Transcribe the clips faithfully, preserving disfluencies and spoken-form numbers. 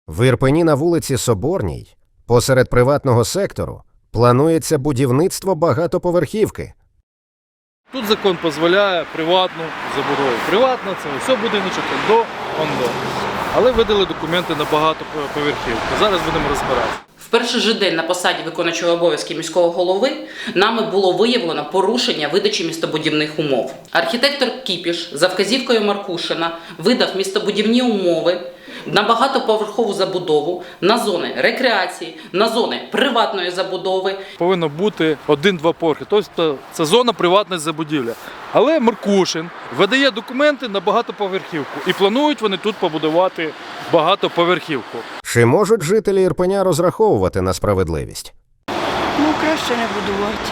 В Ірпені на вулиці Соборній, посеред приватного сектору, планується будівництво багатоповерхівки. Тут закон дозволяє приватну забудову. Приватна – це все будиночок, до, он до. Але видали документи на багатоповерхівку. Зараз будемо розбиратися. В перший же день на посаді виконуючого обов'язки міського голови нами було виявлено порушення видачі містобудівних умов. Архітектор Кіпіш за вказівкою Маркушина видав містобудівні умови на багатоповерхову забудову, на зони рекреації, на зони приватної забудови. Повинно бути один-два поверхи. Тобто це зона приватної забудівлі. Але Маркушин видає документи на багатоповерхівку. І планують вони тут побудувати багатоповерхівку. Чи можуть жителі Ірпеня розраховувати на справедливість? Ну, краще не будувати.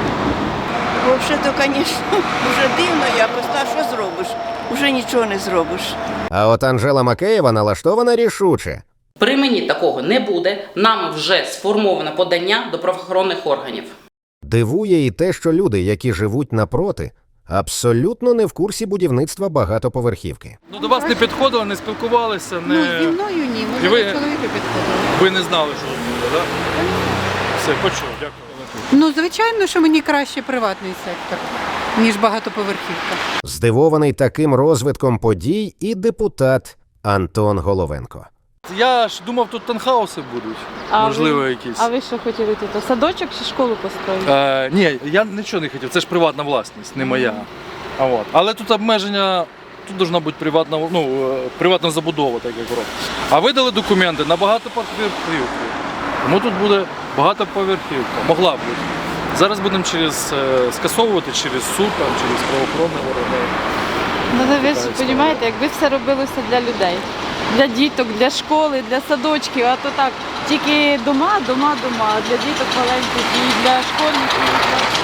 Взагалі-то, звісно, вже дивно якось, та що зробиш? Уже нічого не зробиш. А от Анжела Макеєва налаштована рішуче. При мені такого не буде, нами вже сформовано подання до правоохоронних органів. Дивує і те, що люди, які живуть напроти, абсолютно не в курсі будівництва багатоповерхівки. Ну, до вас не підходили, не спілкувалися, не... Ну, зі мною ні, І може, ви- до чоловіка підходили. ви не знали, що буде, так? Все, почув, дякую. Ну, звичайно, що мені краще приватний сектор, ніж багатоповерхівка. Здивований таким розвитком подій і депутат Антон Головенко. Я ж думав, тут танхауси будуть, А можливо, ви- якісь. А ви що хотіли тут? Садочок чи школу построїти? Е, ні, я нічого не хотів, це ж приватна власність, не моя. А от. Але тут обмеження, тут повинна бути приватна, ну, е, приватна забудова, так як робить. А видали документи на багатоповерхівку. Тому тут буде багатоповерхівка, могла б бути. Зараз будемо через, е, скасовувати через суд, там, через правоохоронні органи. Ну, ви ж Така історія. розумієте, якби все робилося для людей, для діток, для школи, для садочків, а то так, тільки дома, дома, дома, а для діток маленьких і для школьників. і для-